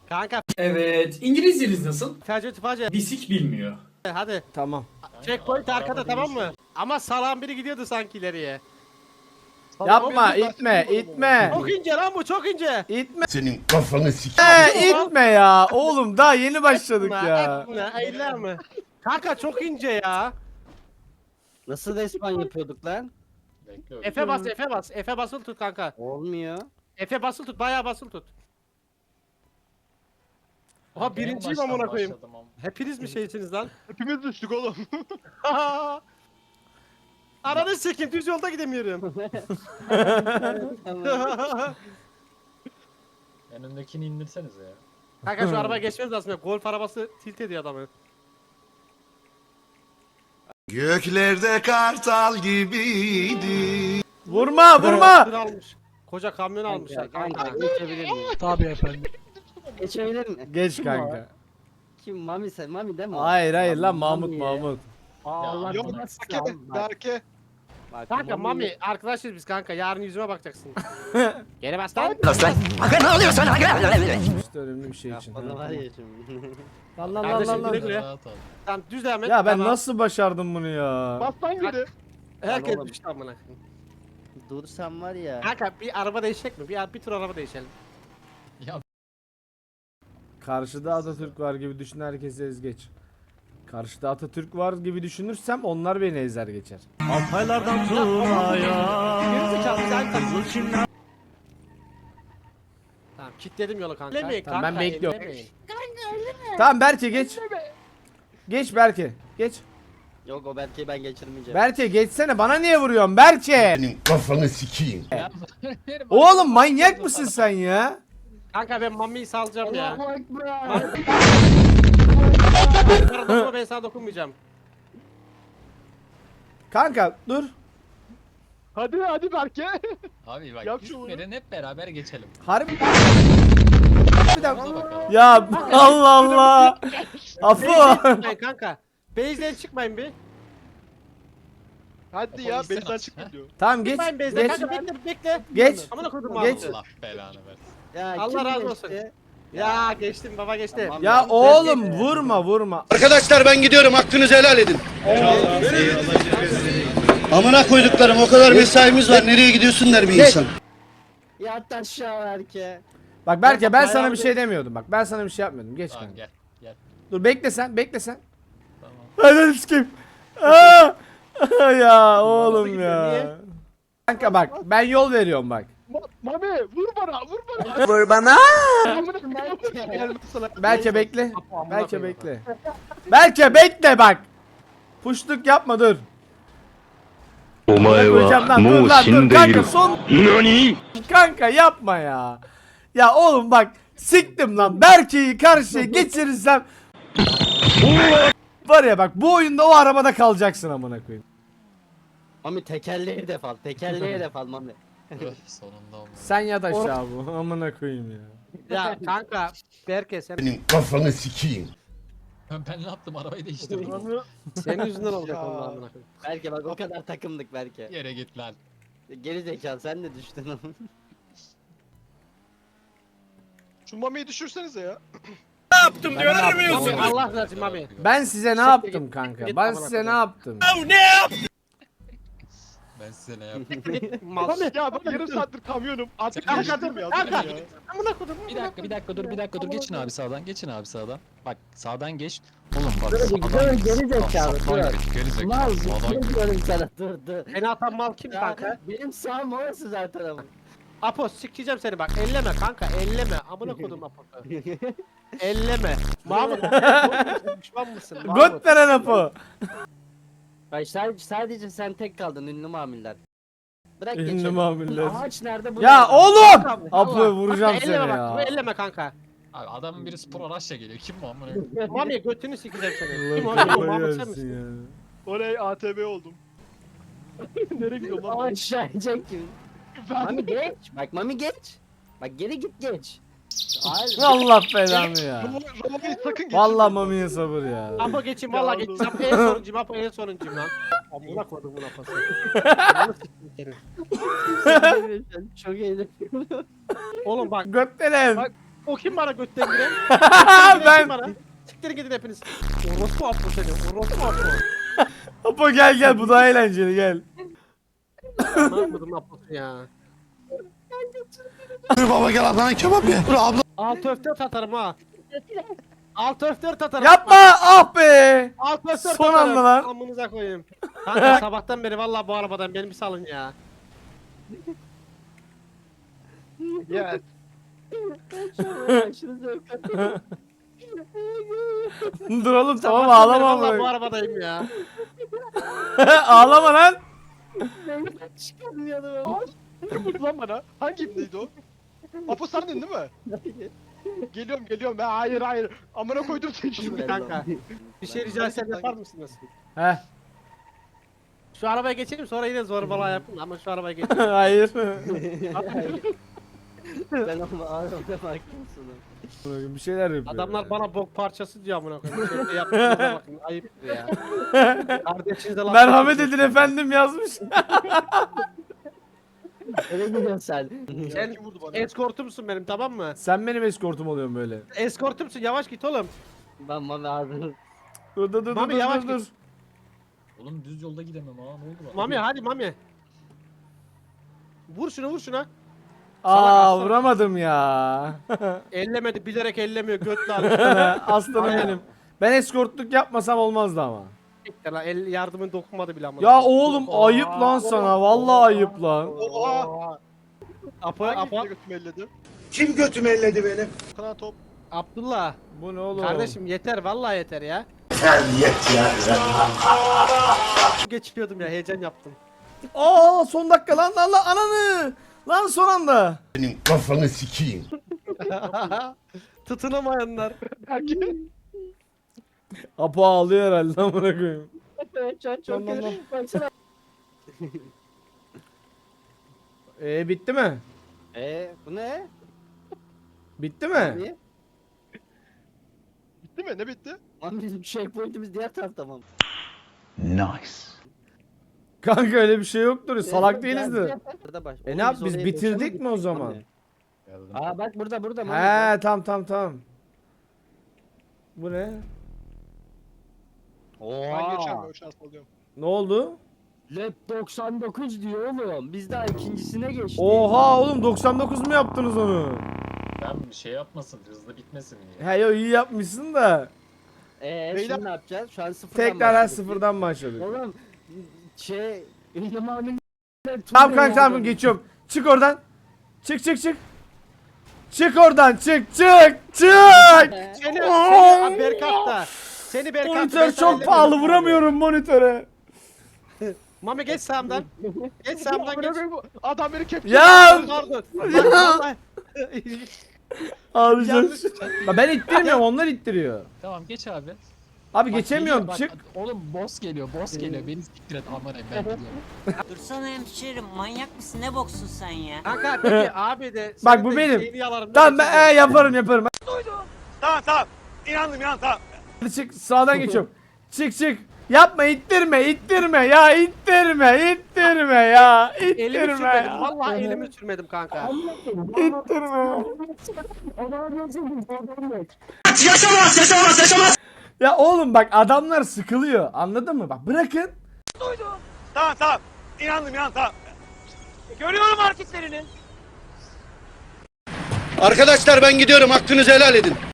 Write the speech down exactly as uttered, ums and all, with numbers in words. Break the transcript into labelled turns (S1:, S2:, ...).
S1: Kanka.
S2: Evet. İngilizceniz nasıl?
S1: Tifacı tifacı.
S2: Bisik bilmiyor.
S1: Hadi.
S3: Tamam.
S1: Checkpoint arkada tamam mı? Ama salan biri gidiyordu sanki ileriye.
S3: Yapma, itme, itme.
S1: Çok ince lan bu, çok ince.
S3: İtme.
S4: Senin kafanı sik.
S3: Ee, itme ya. Oğlum daha yeni başladık ya.
S1: Etme, eyleme. Kanka çok ince ya.
S5: Nasıl respawn yapıyorduk lan?
S1: F'e bas, F'e bas. F'e basılı tut kanka.
S5: Olmuyor.
S1: F'e basılı tut, bayağı basılı tut. Oha birinciyim amına koyayım. Hepiniz mi şeysiniz lan?
S6: Hepimiz düştük oğlum.
S1: Ananı sikeyim, düz yolda gidemiyorum.
S7: En öndekini indirsenize ya.
S1: Kanka şu arabaya geçmemiz lazım. Golf arabası tilt ediyor adamı.
S4: Göklerde kartal gibiydi.
S3: Vurma, vurma.
S1: Tır almış. Koca kamyon almışlar
S5: Kanka
S1: kanka.
S5: geçebilir miyim?
S6: Tabii efendim.
S5: Geçebilir mi?
S3: Geç kanka.
S5: Kim? Mami sen? Mami değil mi?
S3: Hayır hayır lan Mahmut
S5: Mami.
S3: Mahmut.
S5: Aa, Allah
S6: Yok
S5: belasını
S6: Berke,
S5: alsın. Bak,
S6: Berke.
S5: bak,
S1: Kanka Mami arkadaşız biz kanka. Yarın yüzüme bakacaksın. Geri bas lan.
S3: İşte önemli bir şey için.
S5: Bana var ya şimdi.
S3: Lan lan lan
S1: Kardeşim,
S3: lan lan.
S1: güle güle.
S7: Rahat ol.
S1: Tamam düz devam et.
S3: Ya ben
S1: Tamam.
S3: nasıl başardım bunu ya?
S6: Bastan gidi.
S1: Herkes
S5: Lan oğlum.
S1: düştü amına.
S5: Dursam var ya.
S1: Kanka bir araba değişecek mi? Bir, bir tur araba değişelim.
S3: Karşıda Atatürk var gibi düşün, herkesi ez geç. Karşıda Atatürk var gibi düşünürsem onlar beni ezer geçer.
S1: Altaylardan Tuna'ya. Geri zekalı sen tabii. Tamam kilitledim yolu kanka. Ellemeyin
S3: Tamam,
S1: kanka.
S3: ben bekliyorum.
S1: ellemeyin.
S3: Tamam Berke geç. Geç Berke. Geç.
S5: Yok o Berke'yi ben geçirmeyeceğim.
S3: Berke geçsene, bana niye vuruyorsun Berke?
S4: Senin kafanı sikeyim.
S3: Oğlum manyak mısın sen ya?
S1: Kanka ben Mami'yi salacağım ya.
S5: Allahu Ekber.
S1: Dokunma ben sana dokunmayacağım.
S3: Kanka dur.
S6: Hadi hadi Berke.
S7: Abi bak
S6: Yap şunu.
S7: gitmeden hep beraber geçelim.
S3: Harbi. Bir dakika.
S7: Buna bakalım.
S3: Ya Allah Allah. Afu.
S1: Çıkmayın kanka. Base'den çıkmayın bir.
S6: Hadi ya
S7: Polisler
S6: bezden
S7: aç.
S6: çıkın diyor.
S3: Tamam geç.
S1: Çıkmayın base'den
S3: Geç.
S1: kanka bekle bekle.
S3: Geç.
S1: Amına koydum
S3: Geç.
S1: Mahmut'u.
S7: Allah belanı versin.
S5: Ya,
S1: Allah
S5: kim
S1: razı olsun.
S5: geçti?
S1: Ya geçtim baba geçtim.
S5: Tamam.
S3: Ya oğlum vurma vurma.
S4: Arkadaşlar ben gidiyorum, hakkınızı helal edin. Amına koyduklarım, o kadar mesaimiz var, nereye gidiyorsun der bir insan.
S5: Yat aşağı Berke.
S3: Bak Berke ben
S1: Bayağı
S3: sana bir
S1: bir-
S3: şey demiyordum. Bak ben sana bir şey yapmıyordum. Geç
S7: Tamam
S3: kanka.
S7: gel. Gel.
S3: Dur bekle sen, bekle sen.
S7: Tamam.
S3: Hadi sikeyim. Aa! Ya oğlum
S1: gidiyor, niye?
S3: ya. Kanka bak ben yol veriyorum bak.
S6: Ma Mami vur bana vur bana.
S3: Vur bana.
S6: Amına koyayım. Gelmez sana.
S3: Berke bekle.
S1: Amına
S3: Berke
S1: koyayım.
S3: bekle. Berke bekle bak. Puşluk yapma dur.
S8: お前
S3: Koyacağım
S8: は
S3: lan dur
S8: もう
S3: lan
S8: 死
S3: dur
S8: んでい
S3: kanka
S8: る。
S3: son
S8: 何
S3: kanka yapma ya. Ya oğlum bak siktim lan Berke'yi karşıya geçirirsem var ya bak bu oyunda o arabada kalacaksın amına koyayım.
S5: Mami tekerleği de fal. Tekerleği de fal Mami.
S7: Öh, sonunda olmadı.
S3: Sen yat aşağı bu amına koyayım ya.
S1: Ya kanka Berke sen
S4: Senin kafanı sikeyim.
S7: Ben, ben ne yaptım arabayı değiştirdim.
S1: senin yüzünden olacak
S6: Ya.
S1: onlar amına koyayım.
S5: Berke bak o kadar takımdık Berke.
S7: Yere git lan.
S5: Geri zekalı sen de düştün ama.
S6: Şu Mami'yi düşürsenize ya.
S1: Mami Allah razı olsun Mami.
S3: Ben size ne yaptım kanka? Ben size ne yaptım?
S7: Ben size ne yaptım?
S1: Mal.
S6: Mami ya ben yarım saattir kamyonum. Artık
S1: Kanka
S6: geçtim
S1: dur
S6: ya.
S1: kanka.
S6: durun ya.
S1: Amına koydum.
S7: Bir dakika bir dakika dur bir dakika dur geçin abi sağdan geçin abi sağdan. Bak sağdan geç. Oğlum bak
S5: Dur,
S7: sağdan
S5: dur,
S7: geç.
S5: geri zekalı,
S7: Sağdan
S5: dur.
S7: geç, Geri zekalı.
S5: Mal
S7: Sağdan
S5: dur
S7: geç.
S5: diyorum sana dur dur.
S1: Beni atan mal kim
S5: Ya,
S1: kanka?
S5: benim sağım orası zaten ama.
S1: Apo sikeceğim seni bak. Elleme kanka elleme. Amına koydum Apo'yu. Elleme. Mahmut. Düşman mısın? Mahmut.
S3: Göt veren apı.
S5: Bak sadece, sadece sen tek kaldın ünlü mamiller. Bırak
S3: Ünlü
S5: geçelim.
S3: mamiller.
S5: Ağaç nerede bu?
S3: Ya
S5: nerede?
S3: oğlum!
S1: Kanka,
S3: Apı
S1: Allah.
S3: vuracağım
S1: Kanka,
S3: seni
S1: elleme bak.
S3: ya.
S1: Elleme kanka.
S7: Abi adamın biri spor araçla geliyor. Kim bu amına?
S1: Mami götünü sikeceğim seni. Kim o?
S3: Allah
S1: Kim o?
S3: kafayı
S1: Mahmut sen
S3: yersin
S1: misin?
S3: ya.
S6: Oley A T B oldum. Nereye gidiyorum lan?
S5: Aşağı inecek gibi. Mami geç. Bak Mami geç. Bak geri git geç. Hayır.
S3: Allah belanı ya.
S6: Roma'yı sakın geçirme.
S3: Vallahi mamiye sabır ya.
S1: Apo geçeyim
S6: Ya
S1: valla
S6: oğlum.
S1: geçeyim. Apo en sonuncuyum. Apo en sonuncuyum lan. Amına koydum buna pası. Amına sikeyim seni.
S5: Çok eğlenceli.
S1: Oğlum bak.
S3: Göt veren.
S6: Bak-
S1: O kim bana götten giren?
S3: Ben-
S1: Bana. Siktirin gidin hepiniz. Orospu Apo seni. Orospu Apo.
S3: Apo gel gel bu daha eğlenceli gel.
S1: Ne yapmadım Apo'su ya.
S4: Baba gel ablana kebap ye. Dur abla.
S1: Alt öfter tatarım ha. Alt öfter tatarım.
S3: Yapma ah be.
S1: Alt öfter
S3: Son
S1: tatarım.
S3: anda lan.
S1: Amınıza koyayım. Kanka sabahtan beri vallahi bu arabadan beni bir salın ya.
S6: Ya
S5: Aşırı zevk aldım.
S3: Dur oğlum tamam
S1: Sabahtan beri
S3: ağlama
S1: vallahi bu
S3: ama.
S1: arabadayım ya.
S3: Ağlama lan.
S5: Çıkamıyorum.
S6: kim vurdu lan bana? Hangi ipneydi o? Apo sendin değil mi? Geliyorum geliyorum ben hayır hayır. Amına koydum seni şimdi.
S1: Kanka. Bir şey rica etsem yapar mısınız?
S3: Heh.
S1: Şu arabaya geçelim sonra yine zorbalığa yapın ama şu arabaya geçelim.
S3: Hayır.
S5: Ben ama ağrımda bakmışsın.
S3: Bir şeyler yapıyor.
S1: Adamlar bana bok parçası diyor amına koyayım. Şöyle yaptığınıza bakın ayıptır ya. Kardeşinize laf
S3: Merhamet
S1: ediyorsunuz.
S3: edin efendim yazmış.
S5: Eve gidiyorsun sen.
S1: Sen
S6: Kim vurdu bana?
S1: eskortumsun benim tamam mı?
S3: Sen benim eskortum oluyorsun böyle.
S1: Eskortumsun yavaş git oğlum.
S5: Ben mami ağrım.
S3: Dur dur dur
S1: Mami,
S3: dur
S1: yavaş
S3: dur dur.
S1: git.
S7: Oğlum düz yolda gidemem ha ne oldu bana?
S1: Mami hadi Mami. Vur şunu vur şuna.
S3: Aa
S1: aslan.
S3: vuramadım ya.
S1: Ellemedi bilerek ellemiyor götle alıyor.
S3: Aslanım
S1: Aynen.
S3: benim. Ben eskortluk yapmasam olmazdı ama.
S1: Siktir lan, el yardımın dokunmadı bile amına.
S3: Ya
S1: koyayım.
S3: oğlum ayıp lan sana. Vallahi ayıp lan.
S6: Oha!
S1: Apo,
S6: Hangi
S1: Apo,
S6: ipne götümü elledi?
S4: Kim götümü elledi benim?
S6: Kana top.
S1: Abdullah.
S3: Bu ne oğlum?
S1: Kardeşim yeter vallahi yeter ya. Geçiyordum ya heyecan yaptım.
S3: Aa son dakika lan lan lan ananı. Lan son anda.
S4: Senin kafanı sikeyim.
S1: Tutunamayanlar.
S6: Belki.
S3: Apo ağlıyor herhalde amına koyayım.
S5: Şu an çok
S3: Tamam,
S5: kötü.
S3: tamam.
S5: Baksana.
S3: Ee bitti mi?
S5: Eee bu ne?
S3: Bitti mi?
S5: Niye?
S6: Bitti mi? Ne bitti?
S5: Lan bizim checkpoint'imiz diğer tarafta mı?
S3: Kanka öyle bir şey yoktur. Salak değiliz de.
S5: Burada baş.
S3: E
S5: Oğlum
S3: ne yap
S5: biz
S3: biz
S5: oraya
S3: bitirdik
S5: geçemedik
S3: mi o zaman?
S5: Mami. Aa bak burada burada. Mami.
S3: He tamam tamam tamam. Bu ne?
S6: Ben
S5: Oha.
S6: geçiyorum ben şans alıyorum.
S3: Ne oldu?
S5: Lab doksan dokuz diyor oğlum. Biz daha ikincisine geçtik.
S3: Oha oğlum doksan dokuz mu yaptınız onu?
S7: Ben bir şey yapmasın hızlı bitmesin diye.
S3: He yo iyi yapmışsın da.
S5: Eee
S6: Beyler-
S5: şimdi ne yapacağız? Şu an sıfırdan
S3: Tekrar her
S5: başladık.
S3: sıfırdan başladık.
S5: Oğlum şey İlham abinin
S3: Tamam kanka tamam geçiyorum. Çık oradan. Çık çık çık. Çık oradan çık çık çık.
S1: Seni, seni Berkat da. Seni Berkat da, ben
S3: Monitör
S1: sana
S3: çok pahalı
S1: ellemiyorum.
S3: vuramıyorum monitöre.
S1: Mami geç sağımdan. Geç sağımdan geç.
S6: Adam beni kepçe.
S3: Ya
S1: Pardon. Vallahi-
S3: ağlayacağım.
S1: Yanlış.
S3: Ya ben ittirmiyorum onlar ittiriyor.
S7: Tamam geç abi.
S3: Abi
S7: Bak,
S3: geçemiyorum
S7: geliyor,
S3: çık.
S7: bak, oğlum boss geliyor boss geliyor beni siktir et aman ben gidiyorum.
S9: Dursana hemşerim manyak mısın ne boksun sen ya?
S1: Kanka peki abi de.
S3: Bak,
S1: senin
S3: bu
S1: de
S3: benim.
S1: şeyini yalarım, ne
S3: Tamam ben
S1: geçeceğim?
S3: e, yaparım yaparım.
S4: Tamam tamam. İnandım inan tamam.
S3: Hadi çık sağdan geçiyorum. Çık çık. Yapma ittirme ittirme ya ittirme ittirme ya
S1: Elimi
S3: ittirme
S1: sürmedim.
S3: ya.
S1: Vallahi elimi sürmedim kanka.
S3: İttirme.
S4: Yaşamaz yaşamaz yaşamaz.
S3: Ya oğlum bak adamlar sıkılıyor anladın mı? Bak bırakın.
S4: Tamam tamam. İnandım inan tamam. Görüyorum hareketlerini. Arkadaşlar ben gidiyorum hakkınızı helal edin.